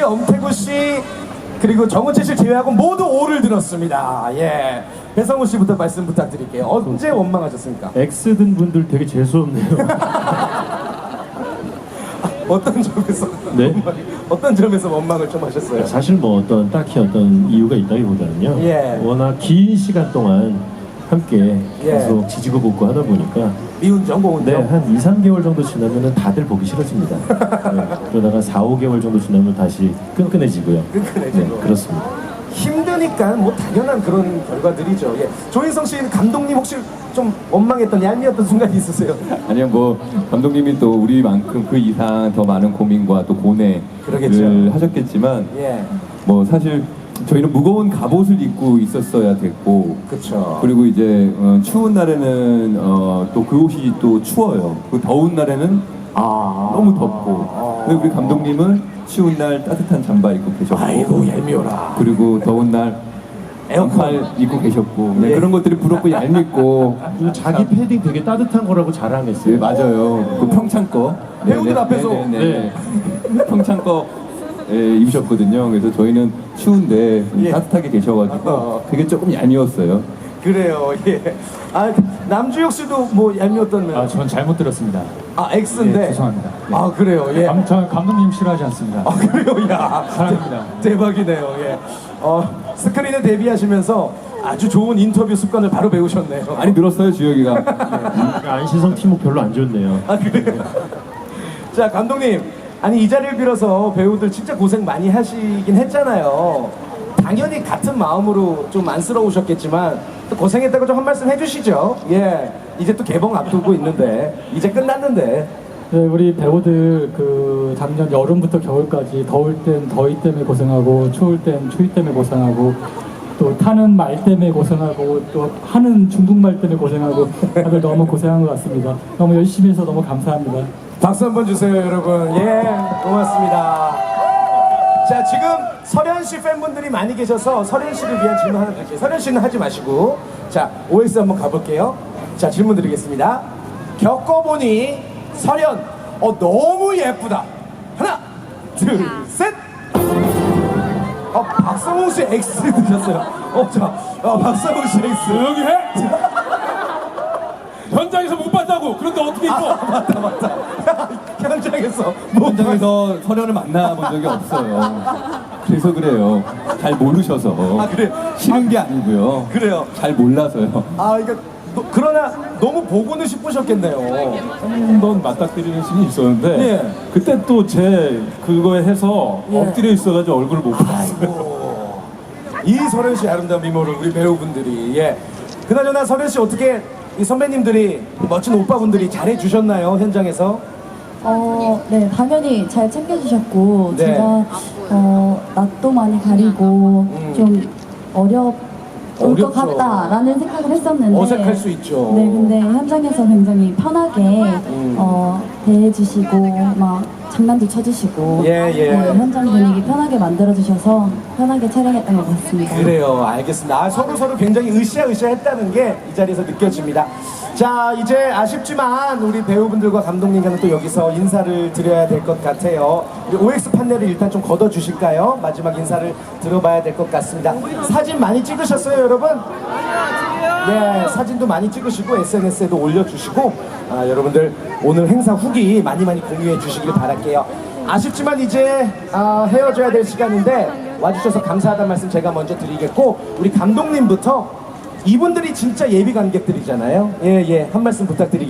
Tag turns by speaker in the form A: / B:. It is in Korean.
A: 엄태구 씨, 그리고 정은채 씨 제외하고 모두 O를 들었습니다. 예. 배성우 씨부터 말씀 부탁드릴게요. 언제 원망하셨습니까?
B: X 든 분들 되게 재수없네요.
A: 어떤 점에서
B: 네?
A: 어떤 점에서 원망을 좀 하셨어요?
B: 사실 뭐 어떤 딱히 어떤 이유가 있다기보다는요.
A: 예.
B: 워낙 긴 시간 동안 함께
A: 예.
B: 계속 지지고 볶고 하다 보니까
A: 미운정, 고운정.
B: 네, 한 2, 3개월 정도 지나면은 다들 보기 싫어집니다. 네, 그러다가 4, 5개월 정도 지나면 다시 끈끈해지고요.
A: 끈끈해지고.
B: 네, 그렇습니다.
A: 힘드니까 뭐 당연한 그런 결과들이죠. 예. 조인성 씨는 감독님 혹시 좀 원망했던 얄미웠던 순간이 있으세요?
C: 아니요, 뭐 감독님이 또 우리만큼 그 이상 더 많은 고민과 또 고뇌를
A: 그러겠죠.
C: 하셨겠지만
A: 예.
C: 뭐 사실 저희는 무거운 갑옷을 입고 있었어야 됐고,
A: 그렇죠.
C: 그리고 이제 추운 날에는 또 그 옷이 또 추워요. 그 더운 날에는 너무 덥고. 근데 우리 감독님은 추운 날 따뜻한 잠바 입고 계셨고,
A: 아이고 얄미워라.
C: 그리고 더운 날
A: 에어컨
C: 에어컨 입고 계셨고, 네,
A: 예.
C: 그런 것들이 부럽고 얄밉고.
B: 그리고 자기 패딩 되게 따뜻한 거라고 자랑했어요.
C: 네, 맞아요. 그 평창 거.
A: 배우들 앞에서.
C: 네. 평창 거 입으셨거든요. 그래서 저희는 추운데
A: 예.
C: 따뜻하게 계셔가지고 그게 조금 얄미웠어요.
A: 그래요. 예. 아 남주혁 씨도 뭐 얄미웠던 면.
D: 전 잘못 들었습니다.
A: X인데.
D: 예, 죄송합니다. 네.
A: 아 그래요. 예.
D: 전 감독님 싫어하지 않습니다.
A: 아 그래요. 야.
D: 사랑합니다.
A: 대박이네요. 예. 스크린에 데뷔하시면서 아주 좋은 인터뷰 습관을 바로 배우셨네요.
C: 많이 늘었어요, 주혁이가.
B: 안시성 팀목 별로 안 좋네요.
A: 아 그래요. 자 감독님, 아니 이 자리를 빌어서 배우들 진짜 고생 많이 하시긴 했잖아요. 당연히 같은 마음으로 좀 안쓰러우셨겠지만 또 고생했다고 좀 한 말씀 해주시죠. 예, 이제 또 개봉 앞두고 있는데 이제 끝났는데.
E: 네, 우리 배우들 그 작년 여름부터 겨울까지 더울 땐 더위 때문에 고생하고 추울 땐 추위 때문에 고생하고 또 타는 말 때문에 고생하고 또 하는 중국말 때문에 고생하고 다들 너무 고생한 것 같습니다. 너무 열심히 해서 너무 감사합니다.
A: 박수 한번 주세요, 여러분. 예, 고맙습니다. 자, 지금 설현 씨 팬분들이 많이 계셔서 설현 씨를 위한 질문 하나 드릴게요. 설현 씨는 하지 마시고, 자, OX 한번 가볼게요. 자, 질문 드리겠습니다. 겪어보니 설현, 너무 예쁘다. 하나, 둘, 셋. 박성웅 씨 X 드셨어요. 박성웅 씨 X.
D: 조용히 해! 현장에서 못 봤다고! 그런데 어떻게 입어?
A: 맞다. 현장에서
C: 현장에서 설현을 만나본 적이 없어요. 그래서 그래요. 잘 모르셔서.
A: 아, 그래.
C: 싫은 게 아니고요.
A: 그래요.
C: 잘 몰라서요.
A: 그러나 너무 보고는 싶으셨겠네요.
D: 한 번 맞닥뜨리는 신이 있었는데
A: 예.
D: 그때 또 제 그거에 해서
A: 예.
D: 엎드려 있어가지고 얼굴을 못 봤어요.
A: 아이고. 이 설현 씨 아름다운 미모를 우리 배우분들이 그나저나 설현 씨 어떻게 이 선배님들이 멋진 오빠분들이 잘해 주셨나요 현장에서?
F: 네, 당연히 잘 챙겨주셨고,
A: 네.
F: 제가, 낯도 많이 가리고, 좀 어려울
A: 어렵죠.
F: 것 같다라는 생각을 했었는데.
A: 어색할 수 있죠.
F: 네, 근데 현장에서 굉장히 편하게, 대해주시고, 막, 장난도 쳐주시고,
A: 예.
F: 네, 현장 분위기 편하게 만들어주셔서 편하게 촬영했던 것 같습니다.
A: 그래요, 알겠습니다. 서로 굉장히 으쌰으쌰했다는 게 이 자리에서 느껴집니다. 자, 이제 아쉽지만 우리 배우분들과 감독님과는 또 여기서 인사를 드려야 될 것 같아요. 우리 OX 판넬을 일단 좀 걷어주실까요? 마지막 인사를 들어봐야 될 것 같습니다. 사진 많이 찍으셨어요, 여러분? 네, 사진도 많이 찍으시고 SNS에도 올려주시고 여러분들 오늘 행사 후기 많이 공유해 주시길 바랄게요. 아쉽지만 이제 헤어져야 될 시간인데 와주셔서 감사하다는 말씀 제가 먼저 드리겠고, 우리 감독님부터 이분들이 진짜 예비 관객들이잖아요. 한 말씀 부탁드리겠습니다.